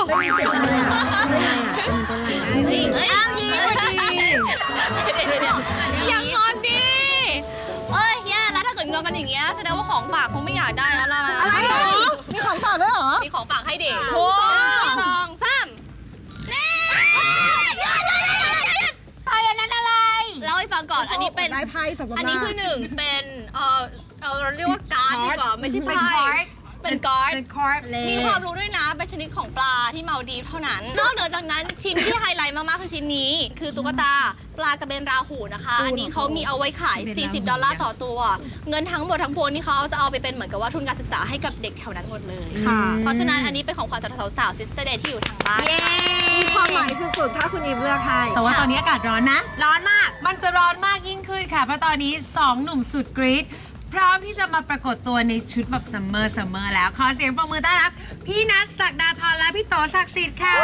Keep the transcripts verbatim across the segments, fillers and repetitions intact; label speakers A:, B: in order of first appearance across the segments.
A: ได้ยินเสียงอะไรอ่ะ
B: อ้าวยิ้มพอดีอย่างงอนดิเอ้ยแย่แล้วถ้าเกิดงอนกันอย่างเงี้ยแสดงว่าของฝากคงไม่อยากได้แล้วล่ะ
A: อะไรเหรอมีของฝากด้วยเหรอ
B: มีของฝากให้เด็กสองสามไพ่อันนั้นอะไรเล่าให้ฟังก่อนอันนี้เป็นอันนี้คือหนึ่งเป็นเออเราเรียกว่าการ์ดดีกว่าไม่ใช่ไพ่เป็นการ์ดมีความรู้ด้วยนะเป็นชนิดของปลาที่มาลดีฟเท่านั้นนอกเหนือจากนั้นชิ้นที่ไฮไลท์มากๆคือชิ้นนี้คือตุ๊กตาปลากระเบนราหูนะคะอันนี้เขามีเอาไว้ขายสี่สิบดอลลาร์ต่อตัวเงินทั้งหมดทั้งปวงนี่เขาจะเอาไปเป็นเหมือนกับว่าทุนการศึกษาให้กับเด็กแถวนั้นหมดเลยเพราะฉะนั้นอันนี้เป็นของขวัญสำหรับสาวๆ Sister Day ที่อยู่ทางบ้าน
A: มีความหมายสุดๆถ้าคุณอีฟเลือกให้
C: แต่ว่าตอนนี้อากาศร้อนนะร้อนมากมันจะร้อนมากยิ่งขึ้นค่ะเพราะตอนนี้สองหนุ่มสุดกรี๊ดพร้อมที่จะมาปรากฏตัวในชุดแบบซัมเมอร์ซัมเมอร์แล้วขอเสียงปรบมือต้อนรับพี่นัทศักดาธรและพี่โตศักดิ์สิทธิ์ค่ะ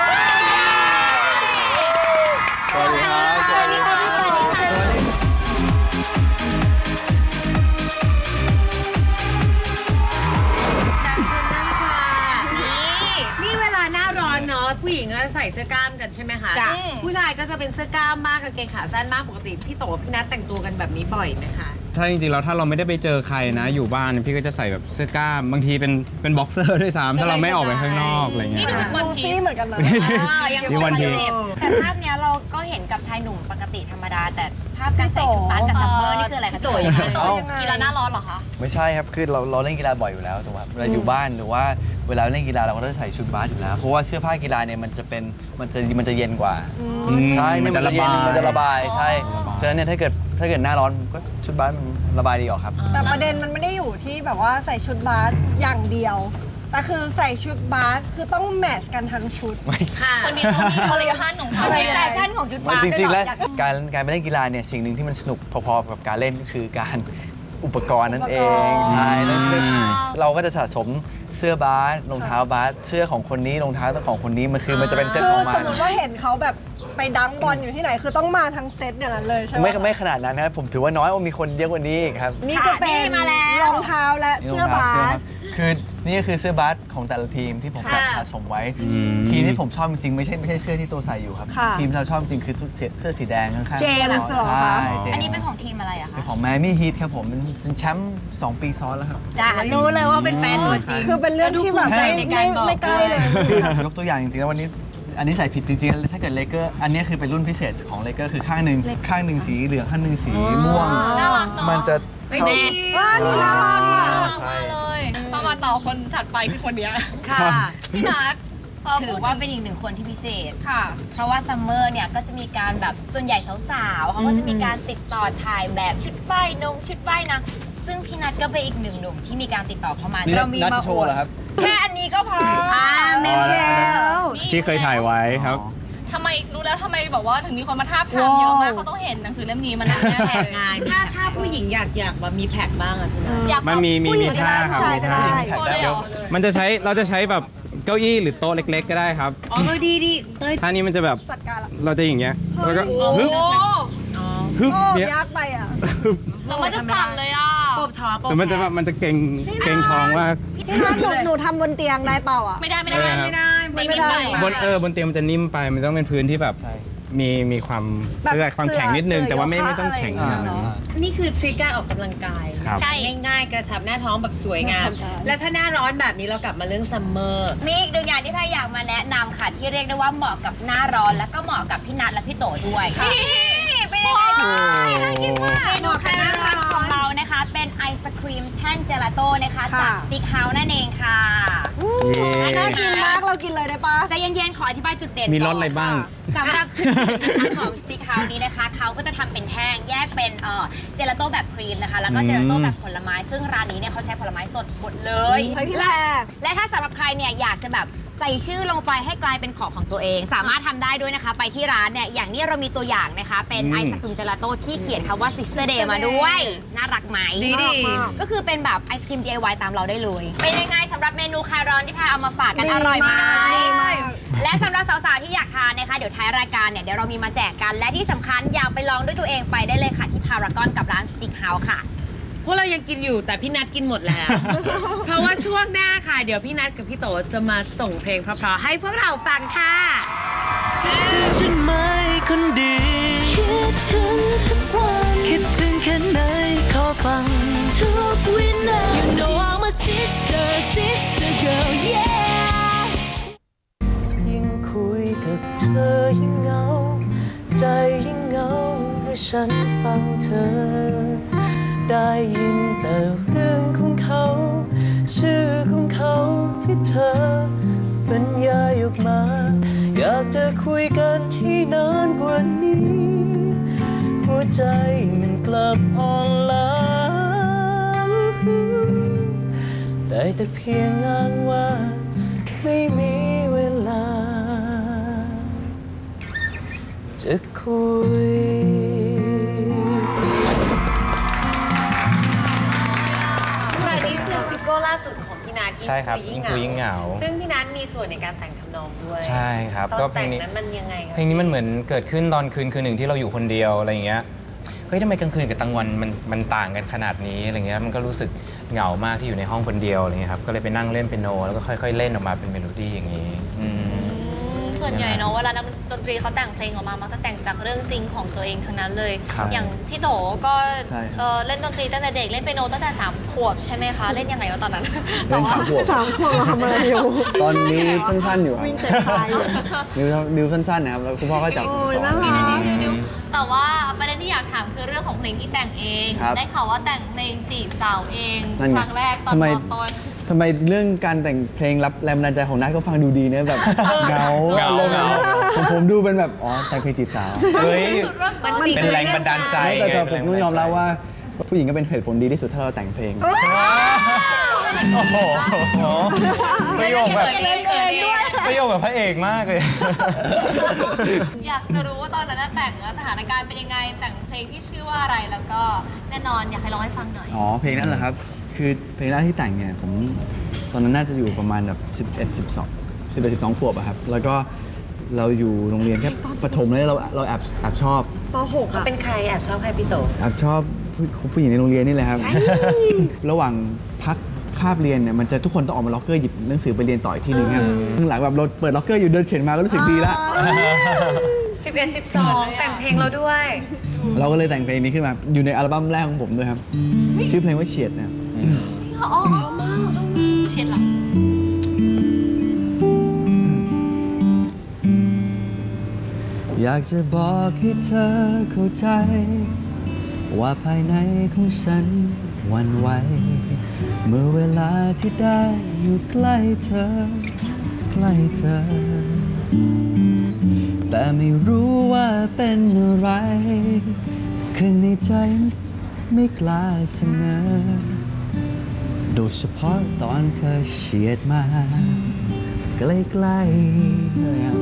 D: สวัสดีครับ
B: สวัสดีค่ะสวัสดีค่ะ
C: นี่เวลาหน้าร้อนเนาะผู้หญิงก็ใส่เสื้อกล้ามกันใช่ไหมคะผู้ชายก็จะเป็นเสื้อกล้ามมากกางเกงขาสั้นมากปกติพี่โตพี่นัทแต่งตัวกันแบบนี้บ่อยไหมคะ
D: ถ้าจริงๆแล้วถ้าเราไม่ได้ไปเจอใครนะอยู่บ้านพี่ก็จะใส่แบบเสื้อกล้ามบางทีเป็นเป็นบ็อกเซอร์ด้วยซ้ำถ้าเราไม่ออกไปข้างนอกอะไรเงี้ย
B: นี่เป็นวันพี
A: ซเหมือนกันเลย
D: นี่วันพี
E: แต่ภาพเนี้ยเราก็เห็นกับชายหนุ่มปกติธรรมดาแต่ภาพการใส่ชุดบาสกับซัมเมอร์นี่คืออะไรคะ
B: ตัวยังไงกีฬาหน้าร้อนเหรอคะ
F: ไม่ใช่ครับคือเราเราเล่นกีฬาบ่อยอยู่แล้วถูกไหมเวลาอยู่บ้านหรือว่าเวลาเล่นกีฬาเราก็ต้องใส่ชุดบาสอยู่แล้วเพราะว่าเสื้อผ้ากีฬาเนี่ยมันจะเป็นมันจะมันจะเย็นกว่าใช่มันจะระบายมันจะระบายใช่ฉะนั้นเนี่ยถ้าเกิดถ้าเกิดหน้าร้อนก็ชุดบาสมันระบายดีออกครับ
A: แต่ประเด็นมันไม่ได้อยู่ที่แบบว่าใส่ชุดบาสอย่างเดียวแต่คือใส่ชุดบาสคือต้องแมทช์กันทั้งชุด
B: คนนี้ต้องมีคอลเลคชันของเขา
E: คอลเลคชันของชุดบาส
F: จริงๆแล้วการการไปเล่นกีฬาเนี่ยสิ่งหนึ่งที่มันสนุกพอๆกับการเล่นก็คือการอุปกรณ์นั่นเองใช่แล้วเราก็จะสะสมเสื้อบาสรองเท้าบาสเสื้อของคนนี้รองเท้าของคนนี้มันคือมันจะเป็นเซตออกมา
A: สมมติว่าเห็นเขาแบบไปดังบอลอยู่ที่ไหนคือต้องมาทั้งเซตอย่างนั้นเลยใช่ไหม
F: ไม่ไม่ขนาดนั้นนะครับผมถือว่าน้อยว่ามีคนเยอะกว่านี้ครับ
A: นี่ก็เป็นรองเท้าและเสื้อบาส
F: คือนี่ก็คือเสื้อบาสของแต่ละทีมที่ผมสะสมไว้ทีมที่ผมชอบจริงๆไม่ใช่ไม่ใช่เสื้อที่ตัวใส่อยู่ครับทีมที่เราชอบจริงคือเสื้อสีแดงข้างๆ
A: เจมส์เหรอคะ
E: อันนี้เป็นของทีมอะไรอะคะ
F: เป็นของแมมี่ฮีทครับผมเป็นแชมป์สองปีซ้อนแล้วครับ
E: จ้ารู้เลยว่าเป็นแฟนตัวจริง
A: คือเป็นเรื่องที่แบบไม่ไม่ใกล้เลย
F: ยกตัวอย่างจริงๆแล้ววันนี้อันนี้ใส่ผิดจริงๆถ้าเกิดเลเกอร์อันนี้คือเป็นรุ่นพิเศษของเลเกอร์คือข้างหนึ่งข้างหนึ่งสีเหลืองข้างหนึ่งสีม่วงมันจะ
B: ไม่ดี
A: ว่านี่น่ารักม
B: ากเลยพอมาต่อคนถัดไปคือคนนี้
E: ค่ะ
B: พี่นัท
E: ถือว่าเป็นอีกหนึ่งคนที่พิเศษ
B: ค่ะ
E: เพราะว่าซัมเมอร์เนี่ยก็จะมีการแบบส่วนใหญ่สาวๆเขาก็จะมีการติดต่อถ่ายแบบชุดว่ายนงชุดว่ายนะซึ่งพี่นัทก็เป็นอีกหนึ่งหนุ่มที่มีการติดต่อเข้ามา
F: เรามีมาโชว์เหรอครับ
E: แค่อันนี้ก็พอ
B: อ่าไม่เดียว
D: ที่เคยถ่ายไว้ครับ
B: ทำไมรู้แล้วทำไมบอกว่าถึงมีคนมาทาบทามเยอะมากเขาต้องเห็นหนังสือเล่มนี้มันน่าแพงงาน
C: ถ้าถ้าผู้หญิงอยากอยากแบบมีแพ็คบ้างอะพี่นัท
B: อยาก
D: มันมีมีมีท่าครับมันจะใช้เราจะใช้แบบเก้าอี้หรือโต๊ะเล็กๆก็ได้ครับ
E: อ๋อดีดี
D: ท่านี้มันจะแบบเราจะอย่างเงี้ยแล้วก็ฮึบฮึบ
A: เนี่ยยากไปอ่ะ
B: แล้วมันจะสั่นเลยอ่ะ
E: ปบท้อง
D: แต่มันจะมันจะเก่งเก่งท้องว่า
A: พี่นัทหนูหนูทำบนเตียงได้เปล่าอ่ะ
B: ไม่ได้ไม่ได้
E: ไม่ได้
B: ไม่ได้
D: บนเออบนเตียงมันจะนิ่มไปมันต้องเป็นพื้นที่แบบมีมีความเสื้อความแข็งนิดนึงแต่ว่าไม่ไม่ต้องแข็งขนาดนั้น
E: นี่คือทริคการออกกำลังกายง่ายๆกระชับหน้าท้องแบบสวยงามแล้วถ้าหน้าร้อนแบบนี้เรากลับมาเรื่องซัมเมอร์มีอีกหนึ่งอย่างที่พายอยากมาแนะนำค่ะที่เรียกได้ว่าเหมาะกับหน้าร้อนแล้วก็เหมาะกับพี่นัทและพี่โตด้วยเป็นยังไงน่ากินมากเมนูไฮไลท์ของเรานะคะเป็นไอศครีมแท่งเจลาโต้นะคะจากซิกเฮาส์นั่นเองค่ะ
A: น่ากินมากเรากินเลยได้ปะ
E: ใจเย็นๆขออธิบายจุดเด่น
D: มีรสอะไรบ้าง
E: สำหรับจุดเด่นของซิกเฮาส์นี้นะคะเขาก็จะทำเป็นแท่งแยกเป็นเจลาโต้แบบครีมนะคะแล้วก็เจลาโต้แบบผลไม้ซึ่งร้านนี้เนี่ยเขาใช้ผลไม้สดหมดเลยและถ้าสำหรับใครเนี่ยอยากจะแบบใส่ชื่อลงไปให้กลายเป็นของของตัวเองสามารถทำได้ด้วยนะคะไปที่ร้านเนี่ยอย่างนี้เรามีตัวอย่างนะคะเป็นไอศกรีมเจลาโต้ที่เขียนคำว่า Sister Day มาด้วยน่ารักไหม
B: ดีดี
E: ก็คือเป็นแบบไอศกรีม ดี ไอ วาย ตามเราได้เลยเป็นยังไงสำหรับเมนูคลายร้อนที่พาเอามาฝากกันอร่อยไหมและสำหรับสาวๆที่อยากทานนะคะเดี๋ยวท้ายรายการเนี่ยเดี๋ยวเรามีมาแจกกันและที่สำคัญอยากไปลองด้วยตัวเองไปได้เลยค่ะที่พารากอนกับร้าน Stick House ค่ะ
C: พวกเรายังกินอยู่แต่พี่นัทกินหมดแล้ว เพราะว่าช่วงหน้าค่ะเดี๋ยวพี่นัทกับพี่โตจะมาส่งเพลงเพราะๆให้พวกเราฟังค่ะเธอฉันไม่คนดีคิดถึงสักวันคิดถึงแค่ไหนขอฟังทุกวินาที You know I'm a sister sister girl yeah ยิ่งคุยกับเธอยิ่งเหงาใจยิ่งเหงาเมื่อฉันฟังเธอได้ยินแต่เรื่องของเขาชื่อของเขาที่เธอบรรยายออกมาอยากจะคุยกันให้นานกว่านี้หัวใจมันกลับอ่อนล้าได้แต่เพียงอ้างว่าไม่มีเวลาจะคุยแต่นี้คือซิงเกิลล่าสุดของพี่นัท
D: ใช่ครับยิ่งคุยยิ่งเหงา
C: ซึ่งพี่นัทมีส่วนในการแต่งทำนองด้วย
D: ใช่ครับ
C: ตอนแต่งนั้นมันยังไงครับ
D: เพลงนี้มันเหมือนเกิดขึ้นตอนคืนคืนหนึ่งที่เราอยู่คนเดียวอะไรอย่างเงี้ยเฮ้ยทำไมกลางคืนกับกลางวันมันมันต่างกันขนาดนี้อะไรเงี้ยมันก็รู้สึกเหงามากที่อยู่ในห้องคนเดียวอะไรเงี้ยครับก็เลยไปนั่งเล่นเปียโนแล้วก็ค่อยๆเล่นออกมาเป็นเมโลดี้อย่างนี้
B: ส่วนใหญ่เนาะเวลานักดนตรีเขาแต่งเพลงออกมามักจะแต่งจากเรื่องจริงของตัวเองทั้งนั้นเลยอย่างพี่โตก็เล่นดนตรีตั้งแต่เด็กเล่นเปียโนตั้งแต่สามขวบใช่ไหมคะเล่นยังไงวะตอนนั้น
F: เล่นสามขวบ
A: สามขวบทำอะไรอยู่
F: ตอนนี้สั้นๆอยู่วิ่งแต่ไฟดิวดิวสั้นๆนะครับแล้วคุณพ่อก็จับสอน
B: แต่ว่าประเด็นที่อยากถามคือเรื่องของเพลงที่แต่งเองได้ข่าวว่าแต่งเพลงจีบสาวเองครั้งแรกตอนม.ต้น
F: ทำไมเรื่องการแต่งเพลงรับแรงบันดาลใจของนัทก็ฟังดูดีเนอะแบบเงา
D: เงาเงา
F: ผมผมดูเป็นแบบอ๋อแต่งเพลงจีบสาว
D: เฮ้ยเป็นแรงบันดาลใจ
F: แต่ผมต้องยอมรับว่าผู้หญิงก็เป็นเหตุผลดีที่สุดถ้าเราแต่งเพลง
D: โอ้โหประโยคแบบประโยคแบบพระเอกมากเลย
B: อยากจะรู้ว่าตอนนั้นแต่งสถานการณ์เป็นยังไงแต่งเพลงที่ชื่อว่าอะไรแล้วก็แน่นอนอยากให้ร้องให้ฟังหน่อย
F: อ๋อเพลงนั้นเหรอครับคือเพลงแรกที่แต่งเนี่ยผมตอนนั้นน่าจะอยู่ประมาณแบบสิบเอ็ด สิบสอง สิบเอ็ด สิบสองขวบอะครับแล้วก็เราอยู่โรงเรียนแค่ประถมเลยเราเราแอบแอบชอบ
A: ป หก
C: อ่ะเป็นใครแอบชอบใครพี่โต
F: แอบชอบผู้หญิงในโรงเรียนนี่แหละครับระหว่างพักคาบเรียนเนี่ยมันจะทุกคนต้องออกมาล็อกเกอร์หยิบหนังสือไปเรียนต่ออีกทีนึงครับข้างหลังแบบเราเปิดล็อกเกอร์อยู่เดินเฉียดมาก็รู้สึกดีละ
C: สิบเอ็ด สิบสองแต่งเพลงเราด้วย
F: เราก็เลยแต่งเพลงนี้ขึ้นมาอยู่ในอัลบั้มแรกของผมด้วยครับชื่อเพลงว่าเฉียดนะ
B: อ๋อชอบมากชอบมากเฉียดหรอ
F: อยากจะบอกให้เธอเข้าใจว่าภายในของฉันหวั่นไหวเมื่อเวลาที่ได้อยู่ใกล้เธอใกล้เธอแต่ไม่รู้ว่าเป็นอะไรข้างในใจไม่กล้าเสนอโดยเฉพาะตอนเธอเฉียดมาใกล้ๆเลยครับ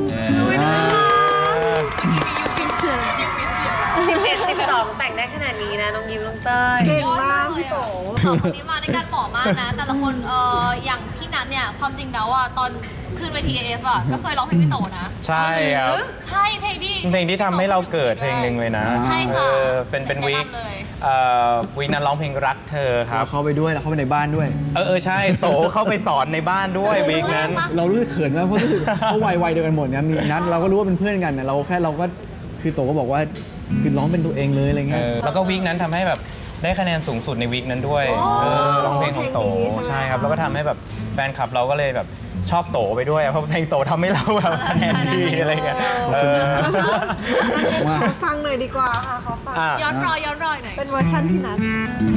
C: สิบเอ็ด สิบสองแต่งได้ขนาดนี้นะน้องยิ้มน้องเต้ย
A: เก่งมากพี่โต
B: สองคนนี้มาด้วยกันเหมาะมากนะแต่ละคนเอ่ออย่างพี่นัทเนี่ยความจริงแล้วอ่ะตอนขึ้นเวที เอ เอฟ อ่ะก็เคยร้องเพลงพี่โตนะ
D: ใช่ครับ
B: ใช่เพลงที่
D: เพลงที่ทำให้เราเกิดเพลงหนึ่งเลยนะ
B: ใช่ค่ะ
D: เป็นเป็นวีควีคนั้นร้องเพลงรักเธอครับ
F: เข้าไปด้วยแล้วเข้าไปในบ้านด้วย
D: เออเออใช่โตเข้าไปสอนในบ้านด้วยวีคนั้น
F: เรารู้สึกเขินมากเพราะรู้สึกเขาวัยๆเดียวกันหมดนะมีนัทเราก็รู้ว่าเป็นเพื่อนกันนะเราแค่เราก็คือโตก็บอกว่าคือร้องเป็นตัวเองเลยอะไรเงี้ย
D: แล้วก็วีคนั้นทำให้แบบได้คะแนนสูงสุดในวีคนั้นด้วยร้องเพลงของโตใช่ครับแล้วก็ทำให้แบบแฟนคลับเราก็เลยแบบชอบโตไปด้วยเพราะเพลงโตทำให้เราแบบคะแนนดีอะไรเงี้ย
A: ขอฟังหน่อยดีกว่าค่ะขอฟัง
B: ย้อนรอยย้อนรอยหน่อย
A: เป็นเวอร์ชันพี่นัท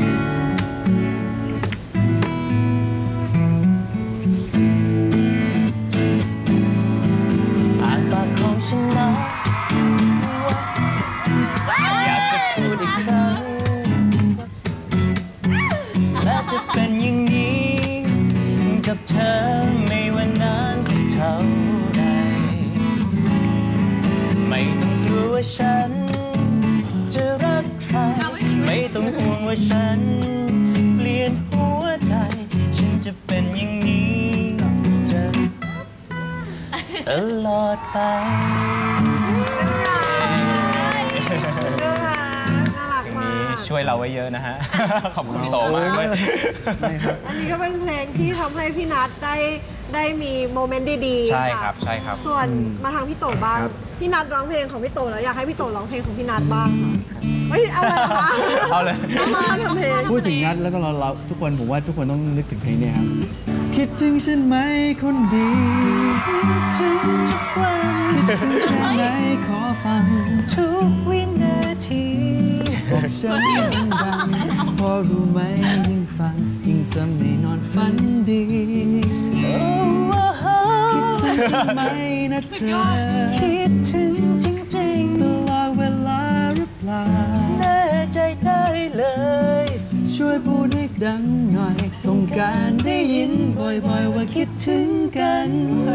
G: อ่านปากของฉันนะอยากจะพูดอีกครั้งและจะเป็นอย่างนี้กับเธอไม่ว่านานสักเท่าใดไม่ต้องกลัวว่าฉันจะรักใครไม่ต้องห่วงว่าฉันเปลี่ยนหัวใจฉันจะเป็นอย่างนี้จะตลอดไป
A: น่ารักมาก
D: ช่วยเราไว้เยอะนะฮะ ขอบคุณพี่โตมากเลย
A: อันนี้ก็เป็นเพลงที่ทำให้พี่นัทได้ได้มีโมเมนต์ดีๆ
D: ใช่ครับใช่ครับ
A: ส่วนมาทางพี่โตบ้างพี่นัทร้องเพลงของพี่โตแล้วอยากให้พี่โตร้องเพลงของพี่นัทบ้างค่ะเฮ้ยเอาเลยเหรอคะ
D: เอาเลย
A: น้องมาทำเพลง
H: พูดถึงนัดแล้วก็เราเราทุกคนผมว่าทุกคนต้องนึกถึงเพลงนี้ครับคิดถึงฉันไหมคนดีคิดถึงทุกวันคิดถึงแค่ไหนขอฟังทุกวินาทีบอกฉันดังๆพอรู้ไหมยิ่งฟังยิ่งจะไม่นอนฝันดีคิดถึงฉันไหมนะเธอคิดถึงจริงๆตลอดเวลาหรือเปล่าแน่ใจได้เลยช่วยพูดให้ดังหน่อยต้องการได้ยินบ่อยๆว่าคิดถึงกัน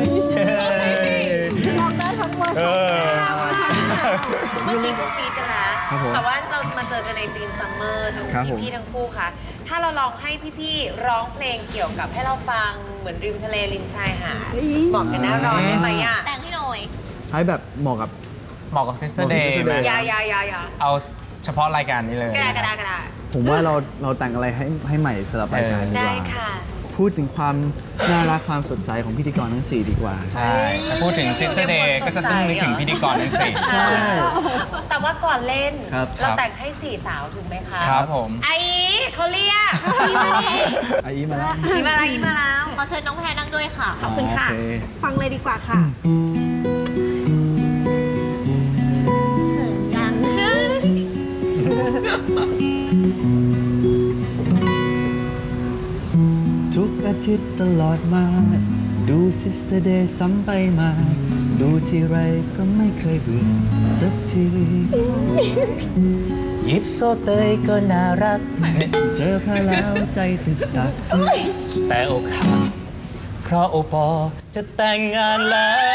A: ร้องได้ทั้งเวอร์ชันเมื่อกี้ก็กรี๊ดกันแล้วแต่ว่าเรามาเจอกันในทีมซัมเมอร์ทั้งพี่ๆทั้งคู่ค่ะถ้าเราลองให้พี่ๆร้องเพลงเกี่ยวกับให้เราฟังเหมือนริมทะเลริมชายหาดเหมาะกันหน้าร้อนได้ไหมอ่ะ
B: แต่งให้หน่อย
H: ให้แบบเหมาะกับ
D: เหมาะกับ Sister Day ไหม
A: ยายายายา
D: เอาเฉพาะรายการนี้เลย
A: กระดาษกระดาษกระดาษ
H: ผมว่าเราเราแต่งอะไรให้ให้ใหม่สำหรับรายการดีกว่า
A: ได้ค่ะ
H: พูดถึงความน่ารักความสดใสของพิธีกรทั้งสี่ดีกว่า
D: ใช่ถ้าพูดถึง Sister Day ก็จะต้องนึกถึงพิธีกรทั้งสี่
H: ใช่
A: แต่ว่าก่อนเล่น
H: เรา
A: แต่งให้สี่สาวถูกไหมคะ
D: ครับผม
A: ไอ้เขาเรียกอีมาดิ
H: ไอ้อีมาแล้ว
A: อีมาแล้วอีมาแล้ว
B: ขอเชิญน้องแพรนั่งด้วยค่ะ
A: ขอบคุณค่ะฟังเลยดีกว่าค่ะ
H: ทุกอาทิตย์ตลอดมาดู Sister Day ซ้ำไปมาดูทีไรก็ไม่เคยเบื่อสักที
G: ยิปโซเตยก็น่ารัก
H: เจอพาแล้วใจติดดัก
G: แต่อกหักเพราะโอปอจะแต่งงาน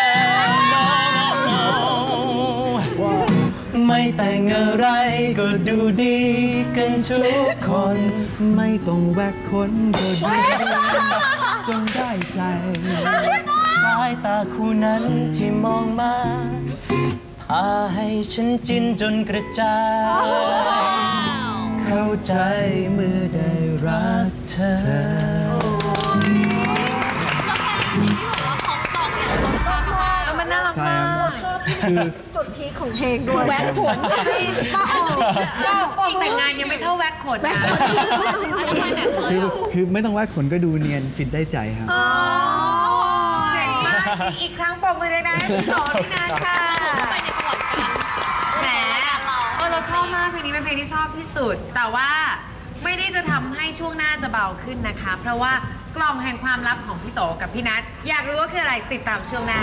G: แล้วไม่แต่งอะไรก็ดูดีกันทุกคน
H: ไม่ต้องแวกคนก็ดูจนได้ใจ
G: สายตาคู่นั้นที่มองมาพาให้ฉันจินจนกระจาย
H: เข้าใจเมื่อได้รักเธอ
A: มันน่ารักมากชอบที่จุดพีคของเพลงด้วยแหวนขนป้าอ๋อแต่งงานยังไม่เท่าแหวนขนนะ
H: คือคือไม่ต้องแหวนขนก็ดูเนียนฟิตได้ใจครับ
A: เจ๋งมากอีกครั้งปรบมือเลยนะต่อพี่นัทค่ะ
B: ไปในประวัติการ
A: แหมเออเราชอบมากเพลงนี้เป็นเพลงที่ชอบที่สุดแต่ว่าไม่ได้จะทำให้ช่วงหน้าจะเบาขึ้นนะคะเพราะว่ากล่องแห่งความลับของพี่โตกับพี่นัทอยากรู้ว่าคืออะไรติดตามช่วงหน้า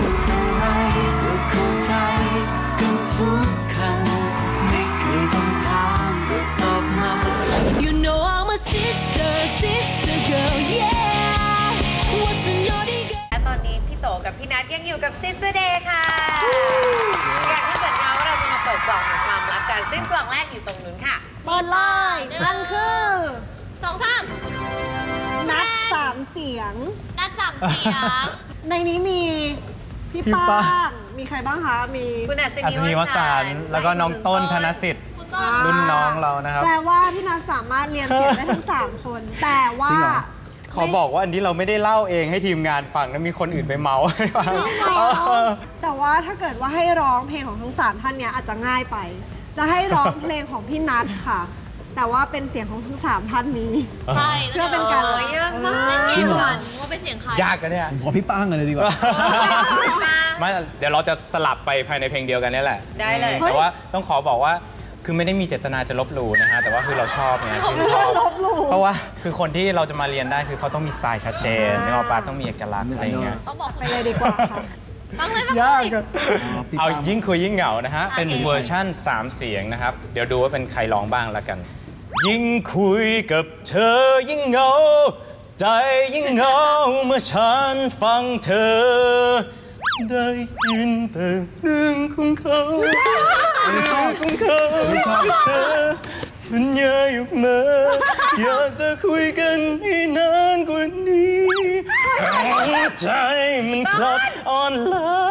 G: เข้าใจกันทุกคำไม่เคยต้องถามก็ตอบมา You know I'm a sister sister girl yeah
A: What's the naughty girl และตอนนี้พี่โตกับพี่นัทยังอยู่กับ Sister Day ค่ะอย่างที่สัญญาว่าเราจะมาเปิดกล่องแห่งความลับกันซึ่งกล่องแรกอยู่ตรงนู้นค่ะเปิดเลยนั่นคือ
B: สองสาม
A: นัดสามเสียง
B: นัดสามเสียง
A: ในนี้มีพี่ป้างมีใครบ้างคะมีคุณอัศ
D: นีวสันต์แล้วก็น้องต้นธนสิทธิ์รุ่นน้องเรานะครับ
A: แปลว่าพี่นัทสามารถเรียนเสียงได้ทั้งสามคนแต่ว่า
D: เขาบอกว่าอันนี้เราไม่ได้เล่าเองให้ทีมงานฟังนะมีคนอื่นไปเมาให้ฟัง
A: แต่ว่าถ้าเกิดว่าให้ร้องเพลงของทั้งสามท่านเนี้ยอาจจะง่ายไปจะให้ร้องเพลงของพี่นัทค่ะแต่ว่าเป็นเสียงของทั้งสามท่านนี้
B: ใช่
A: เพื่อเป็นการ
B: เยอะมากเล่นเกมกันว่าเป็นเสียงใคร
D: ยากกันเนี่ย
H: ขอพี่ป้างกันเลยดีกว่า
D: ไม่เดี๋ยวเราจะสลับไปภายในเพลงเดียวกันนี่แหละ
A: ได้เลย
D: แต่ว่าต้องขอบอกว่าคือไม่ได้มีเจตนาจะลบหลู่นะฮะแต่ว่าคือเราชอบไงคือชอบเพราะว่าคือคนที่เราจะมาเรียนได้คือเขาต้องมีสไตล์ชัดเจนไม่ว่าปาต้องมีเอกลักษณ์อะไรเงี้ย
B: ต้องบอก
A: ไปเลยดีกว่าค่ะ
B: ฟังเลยฟังเลย
D: เอายิ่งคุยยิ่งเหงานะฮะเป็นเวอร์ชั่นสามเสียงนะครับเดี๋ยวดูว่าเป็นใครร้องบ้างละกันยิ่งคุยกับเธอยิ่งเหงาใจยิ่งเหงาเมื่อฉันฟังเธอได้ยินแต่เรื่องของเขาเรื่องของเขาที่เธอสัญญาอยู่มาอยากจะคุยกันให้นานกว่านี้แต่ใจมันกลับอ่อนล้า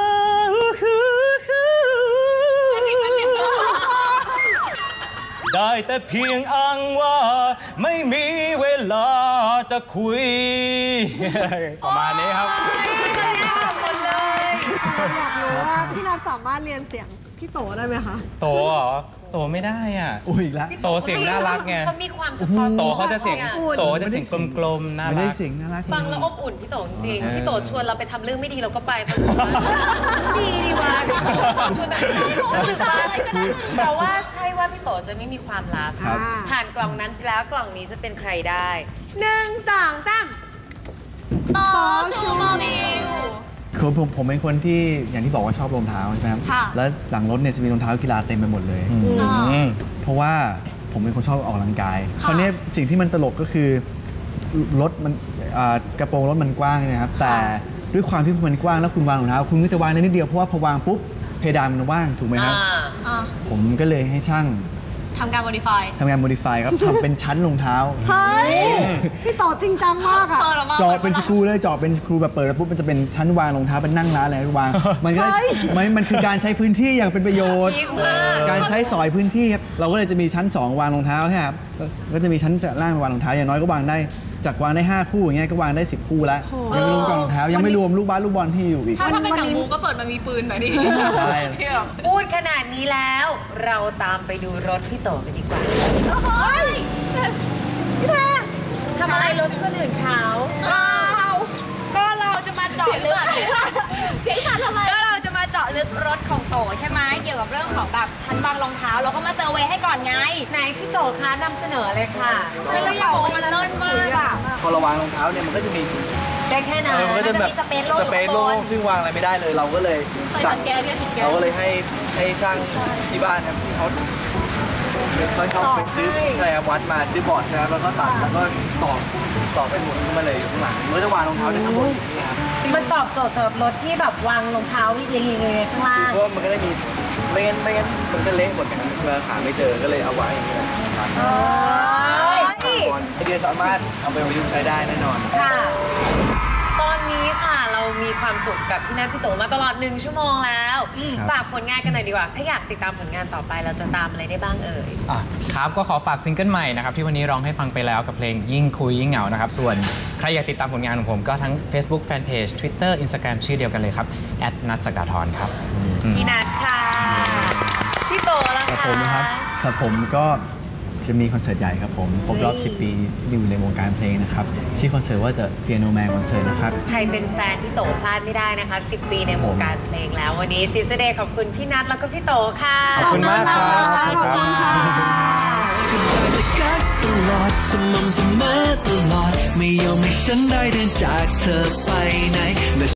D: ได้แต่เพียงอ้างว่าไม่มีเวลาจะคุยประมาณนี้ครับ
I: หมดเลยอยากรู้ว่าพี่นัทสามารถเรียนเสียงพี่โตได้ไหมคะ
D: โตเหรอโตไม่ได้อ่ะ
H: อุ้ยละ
D: โตเสียงน่ารักไง
A: เขามีความเฉพาะ
D: โตเขาจะเสียงโตจะเสียงกลมๆน่ารักไม่
H: ได้เสียงน่ารัก
A: ฟังแล้วอบอุ่นพี่โตจริงพี่โตชวนเราไปทำเรื่องไม่ดีเราก็ไปดีดีวะชวนแบบรู้สึกว่าแต่ว่าใช่ว่าพี่โตจะไม่มีความลับผ่านกล่องนั้นแล้วกล่องนี้จะเป็นใครได้หนึ่งสองสาม
B: โตชูโมบิล
H: คือผมผมเป็นคนที่อย่างที่บอกว่าชอบรองเท้าใช่ไหมครับแล้วหลังรถเนี่ยจะมีรองเท้ากีฬาเต็มไปหมดเลยเพราะว่าผมเป็นคนชอบออกกำลังกายคราวนี้สิ่งที่มันตลกก็คือรถมันกระโปรงรถมันกว้างนะครับแต่ด้วยความที่มันกว้างแล้วคุณวางรองเท้าคุณก็จะวางได้นิดเดียวเพราะว่าพอวางปุ๊บเพดานมันว่างถูกไหมครับผมก็เลยให้ช่าง
B: ทำการ modify
H: ทำงาน modify ครับทำเป็นชั้นรองเท้า
I: เฮ้ยพี่ต่อจริงจังมากอะ
H: เจาะเป็นสกรูเลยเจาะเป็นสกรูแบบเปิดแล้วปุ๊บมันจะเป็นชั้นวางรองเท้าเป็นนั่งร้านอะไรวางมันก็มันมันคือการใช้พื้นที่อย่างเป็นประโยชน์การใช้สอยพื้นที่ครับเราก็เลยจะมีชั้นสองวางรองเท้าใช่ครับก็จะมีชั้นล่างวางรองเท้าอย่างน้อยก็วางได้จากวางได้ห้าคู่อย่างเงี้ยก็วางได้สิบคู่แล้วยังไม่รวมกล่องรองเท้ายังไม่รวมลูกบาสลูกบอลที่อยู่อีก
B: ถ้าถ้าเป็นหนังบูก็เปิดมามีปืนแบบนี้
A: พูดขนาดนี้แล้วเราตามไปดูรถพี่โตกันดีกว่าพี่แพรทำอะไรรถคนอื่นเขา
E: ก็เราจะมาเจาะลึกเสียงสั่นทำไมก็เราจะมาเจาะลึกรถของโตใช่ไหมเกี่ยวกับเรื่องของแบบชั้นวางรองเท้าเราก็มาเซอร์เวย์ให้ก่อนไง
A: ไหนพี่โตคะนำเสนอเลยค่ะ
E: กระเป๋ามันเลิศมากอะ
F: พอเราวางรองเท้าเนี่ยมันก็จะมี
A: ได้แค่นั้น
F: มันก็จะแบบสเปซโล่งซึ่งวางอะไรไม่ได้เลยเราก็เลยสั่งเราก็เลยให้ให้ช่างที่บ้านครับที่เขาเขาเขาไปซื้อใช่ครับวัดมาซื้อบอร์ดนะครับแล้วก็ตัดแล้วก็ต่อต่อเป็นหมุนขึ้นมาเลยอยู่ข้างหลังมันก็จะวางรองเท้าได้ทั้งหมดนะครับ
A: มันตอบโจทย์สำหรับรถที่แบบวางรองเท้าเรียงๆๆข้างล่าง
F: เพราะมันก็ได้มีไม่งั้นไม่งั้นมันก็เละหมดอย่างนั้นเมื่อหาไม่เจอก็เลยเอาไว้อย่างนี้แหละไอเดียสามารถเอาไปประยุกต์ใช้ได้แน่นอน
A: ค่ะตอนนี้ค่ะเรามีความสุขกับพี่นัทพี่โตมาตลอดหนึ่งชั่วโมงแล้วฝากผลงานกันหน่อยดีกว่าถ้าอยากติดตามผลงานต่อไปเราจะตามอะไรได้บ้างเอ่ย
D: ครับก็ขอฝากซิงเกิลใหม่นะครับที่วันนี้ร้องให้ฟังไปแล้วกับเพลงยิ่งคุยยิ่งเหงานะครับส่วนใครอยากติดตามผลงานของผมก็ทั้ง Facebook Fanpage Twitter Instagram ชื่อเดียวกันเลยครับ แอท นัท ศักดาธรครับ
A: พี่นัทค่ะพี่โตแล้วค่ะ
H: ผมนะครับครับผมก็จะมีคอนเสิร์ตใหญ่ครับผมครบรอบสิบปีอยู่ในวงการเพลงนะครับชื่อคอนเสิร์ตว่า The Piano Man Concert นะครับ
A: ใครเป็นแฟนพี่โตพลาดไม่ได้นะคะสิบปีในวงการเพลงแล้ววันนี้ Sister Day ขอบคุณพี่นัทแล้วก็พี่โตค่ะ
D: ขอบคุณมากครับ
I: ขอบคุณค่ะ
G: ตลอดสม่ำเสมอตลอดไม่ยอมให้ฉันได้เดินจากเธอไปไหน